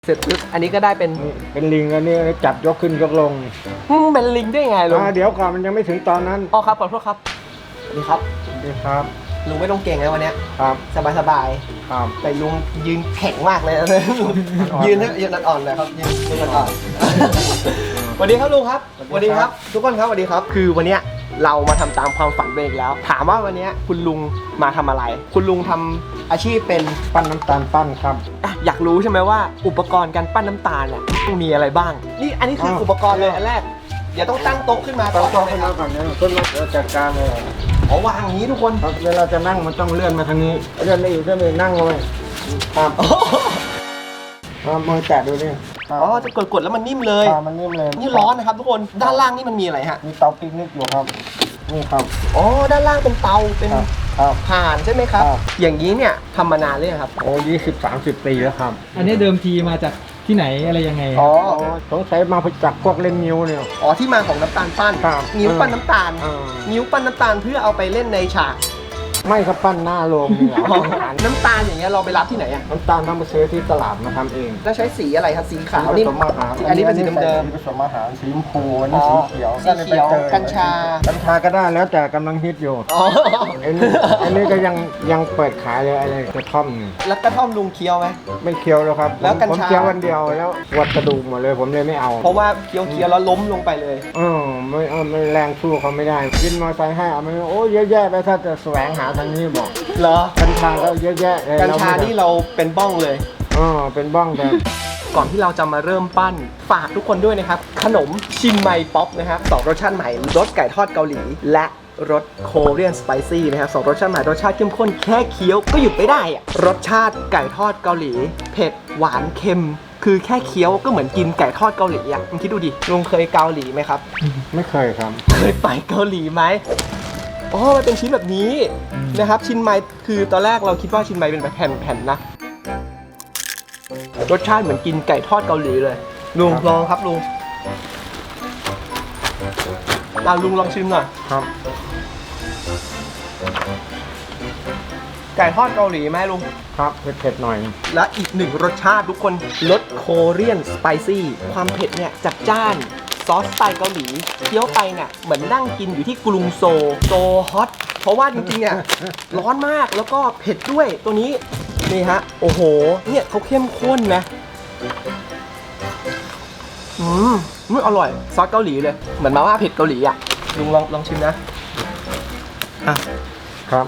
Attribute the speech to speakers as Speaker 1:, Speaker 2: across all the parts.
Speaker 1: เสร็จปุ๊บอันนี้ก็ได้เป็น
Speaker 2: เป็นลิงอันนี้จับยกขึ้นยกลง
Speaker 1: เป็นลิงได้ไงลุง
Speaker 2: เดี๋ยวก่อนมันยังไม่ถึงตอนนั้น
Speaker 1: อ๋อครับขอโทษครับสวัสดีครับ
Speaker 2: นี่ครับ
Speaker 1: ลุงไม่ต้องเก่งนะวันเนี้ย
Speaker 2: ครับ
Speaker 1: สบาย
Speaker 2: ครับ
Speaker 1: แต่ลุงยืนแข็งมากเลยนะยืนอ่อนๆเลยครับยืนอ่อนๆสวัสดีครับลุงครับสวัสดีครับ ทุกคนครับสวัสดีครับ คือวันเนี้ยเรามาทำตามความฝันไปอีกแล้ว ถามว่าวันเนี้ยคุณลุงมาทำอะไร คุณลุงทำอาชีพเป็น
Speaker 2: ปั้นน้ำตาลปั้นครับ
Speaker 1: อยากรู้ใช่ไหมว่าอุปกรณ์การปั้นน้ำตาลเนี่ยมีอะไรบ้าง นี่อันนี้คืออุปกรณ์เลยอันแรกเดี๋ยวต้องตั้งโต๊ะขึ้นมา
Speaker 2: ต้อง
Speaker 1: ก่อน
Speaker 2: ขึ้นมาก่อนเนี่ยขึ้นมาจัดการเลย
Speaker 1: อ๋อวางอย่างนี้ทุกคน
Speaker 2: ครับเวลาจะนั่งมันต้องเลื่อนมาทางนี้เลื่อนไม่อยู่เลื่อนไม่นั่งเลยครับมือแตะดูนี่
Speaker 1: อ๋อจะกดแล้วมันนิ่มเลย
Speaker 2: มันนิ่มเลย
Speaker 1: นี่ร้อนนะครับทุกคนด้านล่างนี่มันมีอะไรฮะ
Speaker 2: มีเตาปิกนิกอยู่ครับนี่ครับ
Speaker 1: อ๋อด้านล่างเป็นเตาเป็น
Speaker 2: ครับ
Speaker 1: ถ่านใช่ไหมครับ
Speaker 2: ครับ
Speaker 1: อย่างนี้เนี่ยทำมานานเลยงครับ
Speaker 2: โอ้20-30 ปีแล้วครับ
Speaker 3: อันนี้เดิมทีมาจากที่ไหนอะไรยังไง
Speaker 1: อ๋อ
Speaker 2: สงสัยมาจากพวกเล่นนิ้วเนี่ย
Speaker 1: อ๋อที่มาของน้ำตาลปั้น
Speaker 2: ครับ
Speaker 1: นิ้วปั้นน้ำตาล
Speaker 2: อ่า
Speaker 1: นิ้วปั้นน้ำตาลเพื่อเอาไปเล่นในฉาก
Speaker 2: ไม่ครับปั้นหน้าโรงนี่แหละ
Speaker 1: อ๋อน้ำตาลอย่างเงี้ยเราไปรับที่ไหนอ่ะ
Speaker 2: น้ำตาลต้องไปซื้อที่ตลาดมาทำเอง
Speaker 1: แล้วใช้สีอะไรครับสีขาว
Speaker 2: ผ
Speaker 1: นี่
Speaker 2: สมอาหาร
Speaker 1: อันนี้เป็นสีเดิม
Speaker 2: ผสมอาหารสีชมพูอันนี้สีเขียว
Speaker 1: สีเขียวกัญชา
Speaker 2: กัญชาก็ได้แล้วแต่กำลังฮิตอยู่
Speaker 1: อ๋อ
Speaker 2: อันนี้ก็ยังเปิดขายเลยอะไรกระท่อมนี่
Speaker 1: แล้วกระท่อมลุงเคี้ยวไหม
Speaker 2: ไม่เคี้ยวแล้วครับ
Speaker 1: แล้วกัญชา
Speaker 2: ผมเคี้ยววันเดียวแล้ววัดกระดูกหมดเลยผมเลยไม่เอา
Speaker 1: เพราะว่าเคี้ยวแล้วล้มลงไปเลย
Speaker 2: ไม่แรงสู้เขาไม่ได้วินมอเตอร์ไซค์ให้เอาไม่โอ้เยอะแยะไปถ้าจะแสวงหาทางนี้บอก
Speaker 1: เหรอ
Speaker 2: กัญชาก็เยอะแยะเลย
Speaker 1: กัญชานี่เราเป็นบ้องเลย
Speaker 2: เป็นบ้องแต่
Speaker 1: ก่อนที่เราจะมาเริ่มปั้นฝากทุกคนด้วยนะครับ ขนมชินไมป๊อปนะครับ2รสชาติใหม่รสไก่ทอดเกาหลี และรสโคเรียนสไปซี่นะครับ2รสชาติใหม่รสชาติเข้มข้นแค่เคี้ยวก็หยุดไม่ได้อะรสชาติไก่ทอดเกาหลี เผ็ดหวานเค็ม คือแค่เคี้ยวก็เหมือนกินไก่ทอดเกาหลีอ่ะมึงคิดดูดิลุงเคยเกาหลีไหมครับ
Speaker 2: ไม่เคยครับ
Speaker 1: เคยไปเกาหลีไหมอ๋อมันเป็นชิ้นแบบนี้นะครับชินไมคือตอนแรกเราคิดว่าชินไมเป็นแบบแผ่นๆนะรสชาติเหมือนกินไก่ทอดเกาหลีเลยลุง
Speaker 2: ครับ
Speaker 1: ลองครับลุงลุงลองชิมหน่อย
Speaker 2: ครับ
Speaker 1: ไก่ทอดเกาหลีไหมลุง
Speaker 2: ครับเผ็ดๆหน่อย
Speaker 1: และอีกหนึ่งรสชาติทุกคนรสโคเรียนสไปซี่ความเผ็ดเนี่ยจัดจ้านซอสสไตล์เกาหลีเคี้ยวไปเนี่ยเหมือนนั่งกินอยู่ที่กรุงโซฮอตเพราะว่าจริงๆเนี่ยร้อนมากแล้วก็เผ็ดด้วยตัวนี้นี่ฮะโอ้โหเนี่ยเขาเข้มข้นนะอร่อยซอสเกาหลีเลยเหมือนมาม่าเผ็ดเกาหลีอ่ะลุงลองชิมนะอ่ะ
Speaker 2: ครับ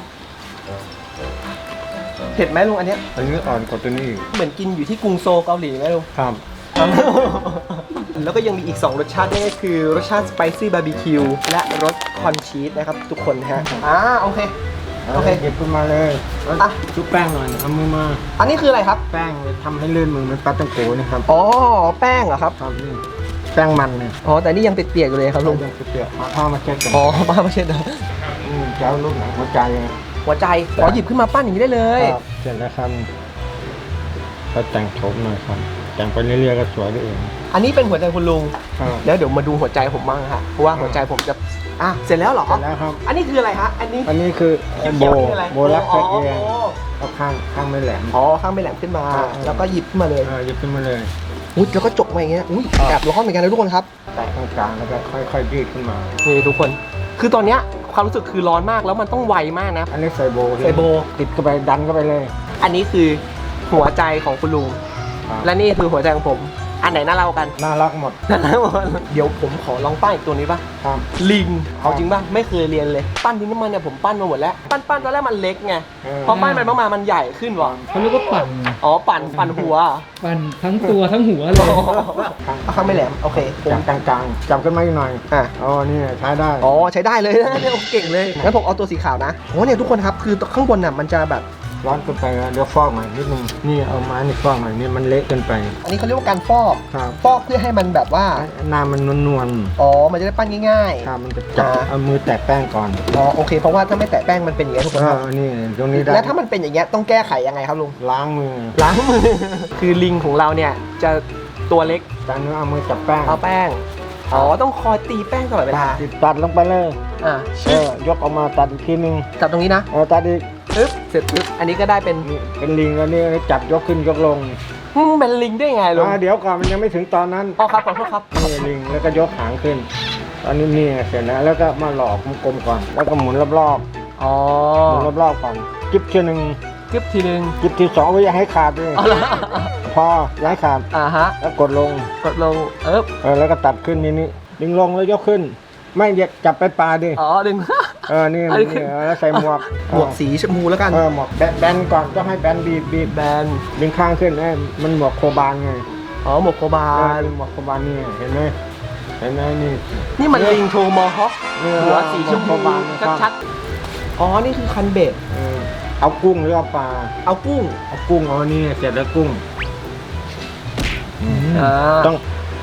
Speaker 1: เผ็ดไหมลุงอันเนี้ย
Speaker 2: อันนี้อ่อนกว่าตัวนี้อีก
Speaker 1: เหมือนกินอยู่ที่กรุงโซเกาหลีไหมลุง
Speaker 2: ครับ
Speaker 1: แล้วก็ยังมีอีก 2 รสชาตินั่นก็คือรสชาติสไปซี่บาร์บีคิวและรสคอนชีสนะครับทุกคนฮะโอเค โอเค
Speaker 2: หยิบขึ้นมาเลย
Speaker 1: อ่ะ
Speaker 2: ชุบแป้งหน่อยเอามือมา
Speaker 1: อันนี้คืออะไรครับ
Speaker 2: แป้งทำให้ลื่นมือมันปลาตังโกนี่ครับ
Speaker 1: อ๋อแป้งเหรอครับ
Speaker 2: ครับนี่แป้งมันเนี่ย
Speaker 1: อ๋อแต่นี่ยังเปียกๆอยู่เลยครับลุง
Speaker 2: ยังเปียกๆเอาผ้ามาเช็ดกัน
Speaker 1: อ๋อป้าไม่ใช่นะ
Speaker 2: เจ้าลูกหนังหัวใจ
Speaker 1: หัวใจหยิบขึ้นมาปั้นอย่างนี้ได้เลย
Speaker 2: ครับเสร็จแล้วครับก็แต่งโฉมหน่อยครับแต่งไปเรื่อยๆก็สวยได้เอง
Speaker 1: อันนี้เป็นหัวใจคุณลุง
Speaker 2: ครับ
Speaker 1: แล้วเดี๋ยวมาดูหัวใจผมบ้างฮะเพราะว่าหัวใจผมจะเสร็จแล้วเหรอ
Speaker 2: เสร็จแล้วครับ
Speaker 1: อันนี้คืออะไรฮะอันนี้
Speaker 2: อันนี้คือ
Speaker 1: เขียวๆนี่คืออะไร
Speaker 2: โบลัก
Speaker 1: อ๋
Speaker 2: ตะ
Speaker 1: อ
Speaker 2: เกียงเอาข้างไม่แหลม
Speaker 1: อ๋อข้างไม่แหลมขึ้นมา แล้วก็หยิบขึ้นมาเลย
Speaker 2: หยิบขึ้นมาเลย
Speaker 1: อุ๊ยแล้วก็จกมาอย่างเงี้ยอุ๊ยแอบร้อนเหมือนกันนะทุกคนครับ
Speaker 2: แตะตรงกลางแล้วก็ค่อยๆยืดขึ้นมา
Speaker 1: นี่ทุกคน คือตอนเนี้ยความรู้สึกคือร้อนมากแล้วมันต้องไวมากนะ
Speaker 2: อันนี้ใส่โบ
Speaker 1: ใส่โบ
Speaker 2: ติดเข้าไปดันเข้าไปเลย
Speaker 1: อันนี้คือหัวใจของคุณลุง
Speaker 2: ครับ
Speaker 1: และนี่คือหัวใจของผม อันไหนน่าเล่ากัน
Speaker 2: น่ารักหมด
Speaker 1: น่าเล่าหมดเดี๋ยวผมขอลองปั้นอีกตัวนี้ป่ะ
Speaker 2: ครับ
Speaker 1: ลิง เอาจริงป่ะ ไม่เคยเรียนเลย ปั้นดินน้ำมันเนี่ยผมปั้นมาหมดแล้ว ปั้นตอนแรกมันเล็กไง พอปั้นไปมากๆมันใหญ่ขึ้นว่ะ
Speaker 3: เขาเรียกว่าปั่น
Speaker 1: อ๋อ ปั่นหัว
Speaker 3: ปั่นทั้งตัวทั้งหัวเลย
Speaker 1: เอาข้างไม่แหลม โอเคผม
Speaker 2: จับกลางๆจับขึ้นมาอีกหน่อย
Speaker 1: อ่ะ
Speaker 2: อ๋อนี่ใช้ได้
Speaker 1: อ๋อใช้ได้เลยนะเนี่ยเก่งเลยงั้นผมเอาตัวสีขาวนะโอ้เนี่ยทุกคนครับคือข้างบนน่ะมันจะแบบ
Speaker 2: ร้อนเกินไปแล้วเดี๋ยวฟอกหน่อยนิดนึงนี่เอาไม้นี่ฟอกหน่อยนี่มันเละเกินไป
Speaker 1: อันนี้เขาเรียกว่าการฟอก
Speaker 2: ครับ
Speaker 1: ฟอกเพื่อให้มันแบบว่า
Speaker 2: น้ำมันนวล
Speaker 1: อ๋อมันจะได้ปั้นง่าย
Speaker 2: ๆครับมันจะจับ
Speaker 1: อ่า
Speaker 2: เอามือแตะแป้งก่อน
Speaker 1: ๆอ๋อโอเคเพราะว่าถ้าไม่แตะแป้งมันเป็นอย่างนี้ยทุกคนครับ
Speaker 2: นี่ตรงนี้ได้
Speaker 1: แล้วถ้ามันเป็นอย่างเงี้ยต้องแก้ไขยังไงครับลุง
Speaker 2: ล้างมือ
Speaker 1: ล้างมือ คือลิงของเราเนี่ยจะตัวเล็ก
Speaker 2: จากนั้นเอามือจับแป้ง
Speaker 1: เอาแป้งอ๋อต้องคอยตีแป้งตลอดเวลา
Speaker 2: ตัดลงไปเลย
Speaker 1: อ่ะ
Speaker 2: ยกออกมาตัดอีกทีนึง
Speaker 1: จับตรงนี้นะ
Speaker 2: ตัดอีก
Speaker 1: ปึ๊บเสร็จปึ๊บอันอันนี้ก็ได้เป็น
Speaker 2: นี่เป็นลิงแล้วนี่จับยกขึ้นยกลง
Speaker 1: เป็นลิงได้ไงลุง
Speaker 2: เดี๋ยวก่อนมันยังไม่ถึงตอนนั้น
Speaker 1: อ๋อครับขอโทษครับ
Speaker 2: นี่ลิงแล้วก็ยกหางขึ้น ตอนนี้นี่เสร็จแล้วแล้วก็มาหลอกกลมๆก่อน แล้วก็หมุนรอบ
Speaker 1: อ๋อ
Speaker 2: ๆหมุนรอบๆก่อนจิ๊บทีหนึ่ง
Speaker 1: กึบทีนึง
Speaker 2: จิ๊บทีสองไว้อย่าให้ขาดด้วย
Speaker 1: เอาละ
Speaker 2: พออย่าให้ขาด
Speaker 1: ฮะ
Speaker 2: แล้วกดลง
Speaker 1: กดลง
Speaker 2: แล้วก็ตัดขึ้นนี่ดึงลงแล้วยกขึ้น ไม่อย่าจับไปปลาดิ
Speaker 1: อ๋อดึง
Speaker 2: นี่
Speaker 1: อันนี้คือ
Speaker 2: แล้วใส่หมวก
Speaker 1: หมวกสีชมพูแล้วกัน
Speaker 2: หมวกแบนก่อนต้องให้แบนบีบ
Speaker 1: แบน
Speaker 2: ดึงข้างขึ้นให้มันหมวกโคบานไง
Speaker 1: อ๋อหมวกโคบาล
Speaker 2: หมวกโคบานนี่เห็นไหมนี่
Speaker 1: นี่มันลิงโทมอฮอค หัวสีชมพู
Speaker 2: บานนะครับ
Speaker 1: ชัดๆอ๋อนี่คือคันเบ็ด
Speaker 2: เอากุ้งหรือเอาปลา
Speaker 1: เอากุ้ง
Speaker 2: เอากุ้งเอานี่เสร็จแล้วกุ้ง ต้อง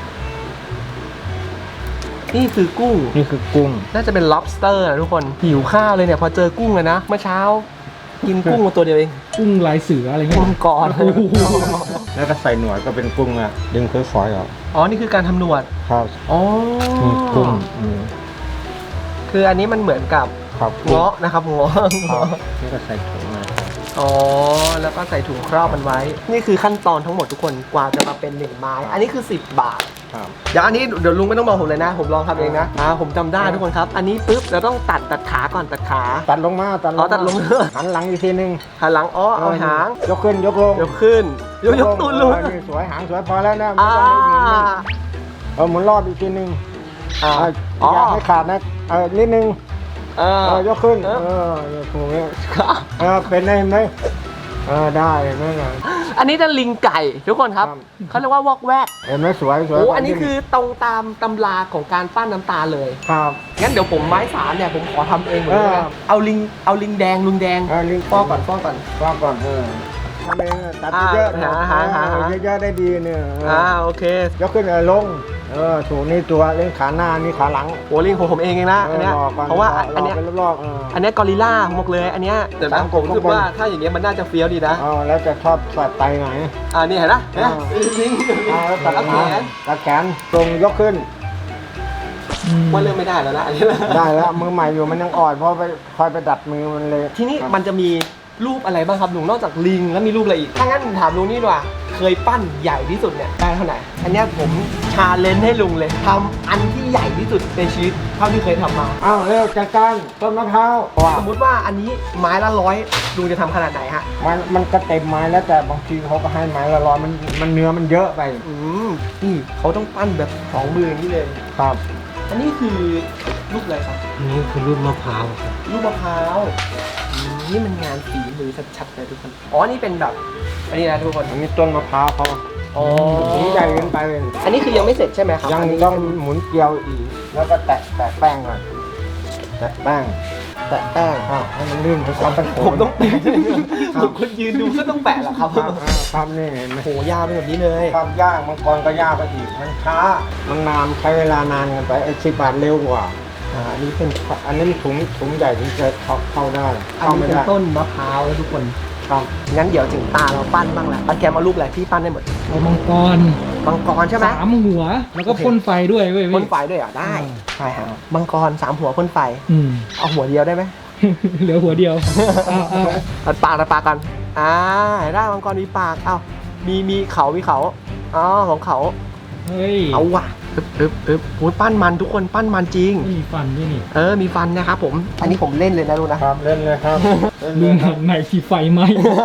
Speaker 1: นี่คือกุ้ง
Speaker 2: นี่คือกุ้ง
Speaker 1: น่าจะเป็น lobster นะทุกคนหิวข้าวเลยเนี่ยพอเจอกุ้งเลยนะเมื่อเช้า กินกุ้งมาตัวเดียวเอง
Speaker 3: กุ้งลายเสืออะไรเงี้ย
Speaker 1: กุ้งก่อน
Speaker 2: แล้วก็ใส่หนวดก็เป็นกุ้งอ่ะดึงฝอยๆออก
Speaker 1: อ๋อนี่คือการทำหนวด
Speaker 2: ครับ
Speaker 1: อ๋อ
Speaker 2: นี่กุ้ง
Speaker 1: คืออันนี้มันเหมือนกับ
Speaker 2: ครับกุ้ง
Speaker 1: เงาะนะครับเงาะ
Speaker 2: ครับนี่ก็ใส่ถุงมา
Speaker 1: อ๋อแล้วก็ใส่ถุงครอบมันไว้ นี่คือขั้นตอนทั้งหมดทุกคนกว่าจะมาเป็น1ไม้อันนี้คือ10 บาท
Speaker 2: ครับ
Speaker 1: อย่างอันนี้เดี๋ยวลุงไม่ต้องบอกผมเลยนะ ผมลองทำเองนะผมจำได้ทุกคนครับ อันนี้ปุ๊บเราต้องตัดขาก่อนตัดขา
Speaker 2: ตัดลงมา
Speaker 1: อ๋อตัดลง
Speaker 2: หันหลังอีกทีนึง
Speaker 1: หันหลังอ๋อเอาหาง
Speaker 2: ยกขึ้นยกลง
Speaker 1: ยกขึ้นยกตูนลุง
Speaker 2: นี่สวยหางสวยพอแล้วนะไม่ต้องไปหมุนมันหมุนรอบอีกทีนึง
Speaker 1: อ๋อ
Speaker 2: อย่าให้ขาดนะนิดนึง ยกขึ้นถูกไหมเป็นได้ไหมได้ไหม
Speaker 1: อันนี้จะลิงไก่ทุกคนครับ
Speaker 2: ครับ
Speaker 1: เขาเรียกว่าวอกแวก
Speaker 2: เห็นไหมสวยสวย
Speaker 1: โอ้อันนี้คือตรงตามตำราของการปั้นน้ำตาลเลย
Speaker 2: ครับ
Speaker 1: งั้นเดี๋ยวผมไม้สามเนี่ยผมขอทำเองเหมือนกันนะเอาลิงแดงลุงแดง
Speaker 2: ลิง
Speaker 1: ฟอกก่อนฟอกก่อน
Speaker 2: ฟอกก่อนทำเองตัดเยอะๆเยอะๆได้ดีเนี่ย
Speaker 1: โอเค
Speaker 2: ยกขึ้นลงถูกนี่ตัวเล่นขาหน้านี่ขาหลัง
Speaker 1: โอ้ลิงของผมเองนะอันเนี้ย
Speaker 2: หลอกก่
Speaker 1: เพราะว่าอันเนี้ย
Speaker 2: เป็นรอบ
Speaker 1: อันเนี้ยกอริลล่าผมบอกเลยอันเนี้ยแต่นะผมรู้สึกว่าถ้าอย่างเงี้ยมันน่าจะเฟี้ยวดีนะ
Speaker 2: แล้วจะชอบใส่ไตไหน
Speaker 1: นี่เห็นนะลิง
Speaker 2: แล้วตัด
Speaker 1: เอาแขน
Speaker 2: ตัดแขนตรงยกขึ้น
Speaker 1: ว่าเริ่มไม่ได้แล้วนะอันนี้
Speaker 2: ได้แล้วมือใหม่อยู่มันยังอ่อนเพราะไปคอยไปดัดมือมันเลย
Speaker 1: ทีนี้มันจะมีรูปอะไรบ้างครับลุงนอกจากลิงแล้วมีรูปอะไรอีกถ้างั้นผมถามลุงนี่ดีกว่าเคยปั้นใหญ่ที่สุดเนี่ยได้เท่าไหร่อันเนี้ยผมชาเลนจ์ให้ลุงเลยทำอันที่ใหญ่ที่สุดในชีวิตเท่าที่เคยทำมา
Speaker 2: เร็วจัดการต้นมะพร้าว
Speaker 1: สมมุติว่าอันนี้ไม้ละ100ลุงจะทำขนาดไหนฮะ
Speaker 2: มันก็เต็มไม้แล้วแต่บางทีเขาก็ให้ไม้ละร้อยมันเนื้อมันเยอะไป
Speaker 1: นี่เขาต้องปั้นแบบ2 มืออย่างนี้เลย
Speaker 2: ครับ
Speaker 1: อันนี้คือรูปอะไรครับ
Speaker 2: นี่คือรูปมะพร้าว
Speaker 1: รูปมะพร้าวนี่มันงานฝีมือชัดๆเลยทุกคนอ๋อนี่เป็นแบบอันนี้นะทุกคน
Speaker 2: อันนี้ต้นมะพร้าวเขา
Speaker 1: อ๋อ
Speaker 2: ถุงใหญ่เกินไป
Speaker 1: อันนี้คือยังไม่เสร็จใช่ไหมครับ
Speaker 2: ยัง
Speaker 1: นนี้
Speaker 2: ต้องหมุนเกลียวอีกแล้วก็แตะแป้งก่อนแตะแป้ง
Speaker 1: แตะแป้ง
Speaker 2: ให้มันลื่นทุกวันเป็นโข
Speaker 1: ผมต้องแปะผมคนยืนดูก็ต้องแปะเหรอครับ
Speaker 2: ครับนี่เห็นไหม
Speaker 1: โหยาวเป็นแบบนี้เลย
Speaker 2: ความยากมังกรก็ยากไปอีกมันช้ามันนานใช้เวลานานกันไป10 บาทเร็วกว่า
Speaker 1: อันนี้เป็น
Speaker 2: อันนี้มันถุงใหญ่ถึงจะเข้าได้
Speaker 1: อัน
Speaker 2: เข้า
Speaker 1: นี้
Speaker 2: ไม่
Speaker 1: เป็น
Speaker 2: ได้
Speaker 1: ต้นมะพร้าวแล้วทุกคน
Speaker 2: ครับ
Speaker 1: งั้นเดี๋ยวถึงตาเราปั้นบ้างแหละเอาแกมเอารูปอะไรพี่ปั้นได้หมด
Speaker 3: เอามังกร
Speaker 1: มังกรใช่ไหม
Speaker 3: 3 หัว แล้วก็พ่นไฟด้วยเว้ย
Speaker 1: พ่น
Speaker 3: พี่
Speaker 1: ไฟด้วยเหรอได้ใช่ฮะมังกร3 หัวพ่นไฟ
Speaker 3: อืม
Speaker 1: เอาหัวเดียวได้ไหม
Speaker 3: เหลือหัวเดียวเอา
Speaker 1: ตัดปากกันได้มังกรมีปากมีเขาของเขา
Speaker 3: เฮ้ย
Speaker 1: เอาว่ะอึ๊บโอ้ยปั้นมันทุกคนปั้นมันจริง
Speaker 3: ไม่มีฟันด้วยนี่
Speaker 1: มีฟันนะครับผมอันนี้ผมเล่นเลยนะลูกนะครับ
Speaker 2: เล่นเลยครับเล่นเล
Speaker 3: ลุ
Speaker 2: ย
Speaker 3: ง
Speaker 2: ครั
Speaker 3: หั
Speaker 2: บ
Speaker 3: นไหนที่ไฟไหม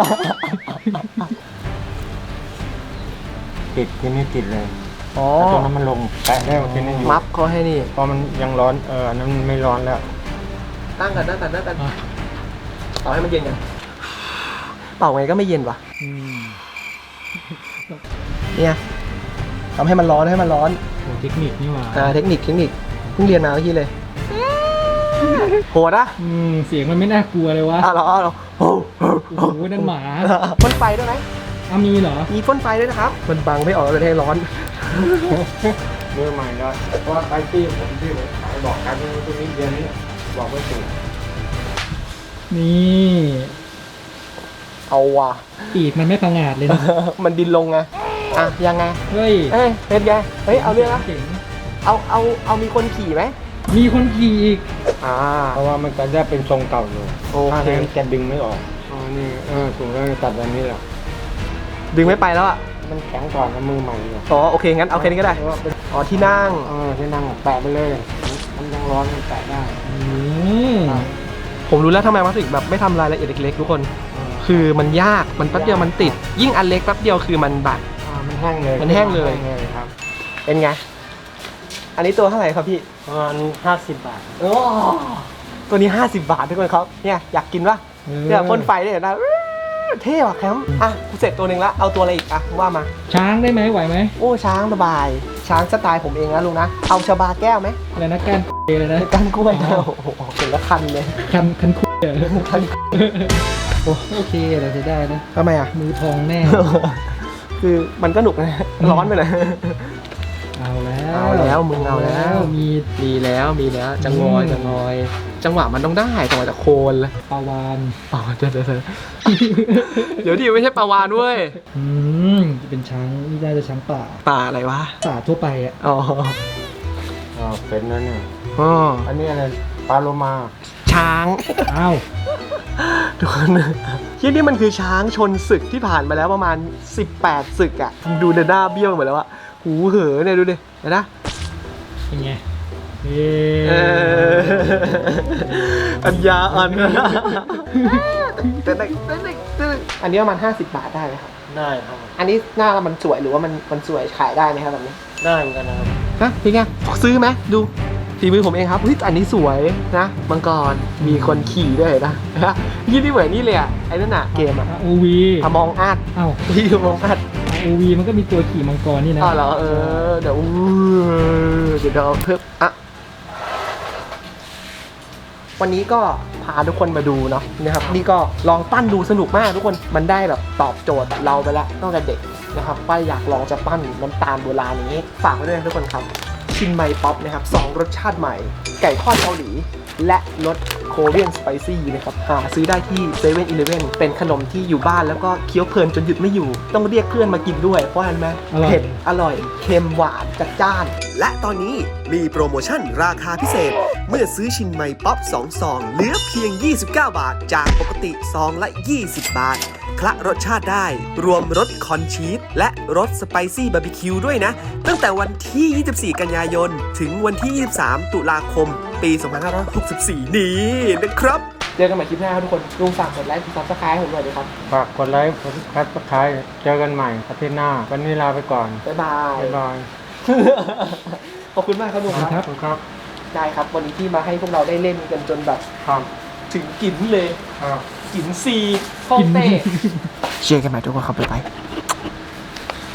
Speaker 2: ติดทีนี้ติดเลย
Speaker 1: อ๋อ
Speaker 2: ตรงนั้นมันลงแตะได้ทีนี้อยู่
Speaker 1: มัฟเขาให้นี่
Speaker 2: พอมันยังร้อนอันนั้นมันไม่ร้อนแล้ว
Speaker 1: ตั้งกันเป่าให้มันเย็นกันเป่าไงก็ไม่เย็นว่ะ
Speaker 3: อืม
Speaker 1: เนี่ยทำให้มันร้อนให้มันร้อน
Speaker 3: โอ้เทคนิคนี่หว่า
Speaker 1: เทคนิคเพิ่งเรียนมาเมื่อกี้เลยโหดอะ
Speaker 3: เสียงมันไม่น่ากลัวเลยวะ
Speaker 1: เหรอโอ้โห
Speaker 3: โอ้โหนั่นหมา
Speaker 1: พ่นไฟด้วยไหม
Speaker 3: มีเหรอ
Speaker 1: มีพ่นไฟด้วยนะครับมันบังไม่ออกเลยให้ร้อน
Speaker 2: มือใหม่แล้วเพราะว่าไปที่ผมที่ผมขายบอกกันตรงนี้เดือนนี้บอกไม่ถูก
Speaker 3: นี่
Speaker 1: เอาว่ะ
Speaker 3: ปีกมันไม่พังงาดเลยนะ
Speaker 1: มันบินลงไงยังไง
Speaker 3: เฮ้ย
Speaker 1: เป็นไงเอาเรื่องนะ
Speaker 3: เจ๋ง
Speaker 1: เอามีคนขี่ไหม
Speaker 3: มีคนขี่อีก
Speaker 2: เพราะว่ามันก็ได้เป็นทรงเก่าอยู่
Speaker 1: โอ
Speaker 2: ถ้า
Speaker 1: เค
Speaker 2: นั้นจะดึงไม่ออก
Speaker 1: อื
Speaker 2: อันนี้ถูกแล้วตัดแบบนี้แหละ
Speaker 1: ดึงไม่ไปแล้วอ่ะ
Speaker 2: มันแข็งก่อนนะมือใหม่เนี่ย
Speaker 1: อ๋อโอเคงั้นเอาแค่นี้ก็ได้อ๋อที่นั่ง
Speaker 2: ที่นั่งแปะไปเลย มันยังร้อนมันแปะได้
Speaker 3: อืม
Speaker 1: ผมรู้แล้วทำไมมันถึงแบบไม่ทำรายละเอียดเล็กๆทุกคน คือมันยากมันแป๊บเดียวมันติด ยิ่งอันเล็กแป๊บเดียวคือมันบาด
Speaker 2: มันแห้งเลย
Speaker 1: มันแห้งเลย
Speaker 2: ครับ
Speaker 1: เป็นไงอันนี้ตัวเท่าไหร่ครับพี่
Speaker 2: ประมาณ50 บาท
Speaker 1: โอ้ตัวนี้ 50 บาททุกคนครับเนี่ยอยากกินปะเนี่ยพ่นไฟได้เห็นนะเท่ว่ะแคมป์อ่ะกูเสร็จตัวหนึ่งแล้วเอาตัวอะไรอีกอ่ะว่ามา
Speaker 3: ช้างได้ไหมไหวไหม
Speaker 1: โอ้ช้างสบายช้างสไตล์ผมเองนะลุงนะเอาชาบาแก้วไหม
Speaker 3: อะไรนะก้านเลยนะ
Speaker 1: ก้านกล้วยนะโอ้โหเห็นแล้วคันเลย
Speaker 3: คันคุยเหรอ
Speaker 1: คัน
Speaker 3: โอเคเราจะได้นะ
Speaker 1: ทำไมอ่ะ
Speaker 3: มือทองแน่
Speaker 1: คือมันก็หนุกนะร้อนไปเลย
Speaker 3: เอาแล้ว
Speaker 1: เอาแล้วมึงเอาแล้ว
Speaker 3: มี
Speaker 1: แล้วจะงอยจังหวะมันต้องได้จังหวะจะโคนเลย
Speaker 3: ปลาวาน
Speaker 1: อ๋อเดี๋ยวดิไม่ใช่ปลาวานเว้ย
Speaker 3: จะเป็นช้างนี่น่าจะช้างป่า
Speaker 1: ป่าอะไรวะ
Speaker 3: ป่าทั่วไปอ่ะ
Speaker 1: อ๋อ
Speaker 2: เป็นนั่นเนี่ย
Speaker 1: อ๋อ
Speaker 2: อันนี้อะไรปลาโลมา
Speaker 1: ช้าง
Speaker 3: อ้าว
Speaker 1: ทุกคนที่นี่มันคือช้างชนศึกที่ผ่านมาแล้วประมาณ18ศึกอ่ะดูเดน่าเบี้ยวหมดแล้วอะหูเหอเนี่ยดูดิเห็นนะ
Speaker 3: เป็นไง
Speaker 1: อัญญาอันอันนี้ประมาณ50 บาทได้ไหมครับ
Speaker 2: ได้ครับ
Speaker 1: อันนี้หน้ามันสวยหรือว่ามันสวยขายได้ไหมครับแบบนี้
Speaker 2: ได้เหมือนกันนะครับ
Speaker 1: ฮะพี่แกซื้อไหมดูฝีมือผมเองครับเฮ้ยอันนี้สวยนะมังกรมีคนขี่ด้วยเห็นนะยี่นี่เหมือนนี่เลยอ่ะไอ้นั่นน่ะเกมอ่ะ
Speaker 3: OV
Speaker 1: มองอาด
Speaker 3: อ้าว
Speaker 1: พี่มองอาด
Speaker 3: OV มันก็มีตัวขี่มังกรนี่นะ
Speaker 1: อ๋อเหรอเดี๋ยวเอาเพิ่มอ่ะวันนี้ก็พาทุกคนมาดูเนาะนะครับนี่ก็ลองปั้นดูสนุกมากทุกคนมันได้แบบตอบโจทย์เราไปแล้วตั้งแต่เด็กนะครับป้าอยากลองจะปั้นน้ำตาลโบราณอย่างนี้ฝากไว้ด้วยนะทุกคนครับชินไมป๊อปนะครับ2รสชาติใหม่ไก่ทอดเกาหลีและรสโคเรียนสไปซี่นะครับหาซื้อได้ที่7 e เ e ่ e เป็นขนมที่อยู่บ้านแล้วก็เคี้ยวเพลินจนหยุดไม่อยู่ต้องเรียกเพื่อนมากินด้วยเพราะอะไรไหมเผ็ดอร่อยเค็มหวานจัดจ้านและตอนนี้มีโปรโมชั่นราคาพิเศษเมื่อซื้อชินไมป๊อป2ซองเหลือเพียง29 บาทจากปกติซองละ20 บาทคละรสชาติได้รวมรสคอนชีสและรสสไปซี่บาร์บีคิวด้วยนะตั้งแต่วันที่ 24 กันยายนถึงวันที่ 23 ตุลาคม ปี 2564 นี้นะครับเจอกันใหม่คลิปหน้าครับทุกคนลุงฝากกดไลค์กดซับสไครต์ให้ผมหน่อยดีครับ
Speaker 2: ฝากกดไลค์กดซับสไครต์เจอกันใหม่อาทิตย์หน้า วันนี้ลาไปก่อน
Speaker 1: บ๊ายบาย
Speaker 2: บ๊ายบาย
Speaker 1: ขอบคุณมากครับลุงครับ
Speaker 2: ขอบคุณครับ
Speaker 1: ได้ครับวันนี้ที่มาให้พวกเราได้เล่นกันจนแบบ
Speaker 2: ครับ
Speaker 1: ถึงกลิ่นเลย
Speaker 2: ครับ
Speaker 1: กลิ่นซีห้องเต้เจอกันใหม่ทุกคนครับบ๊ายบาย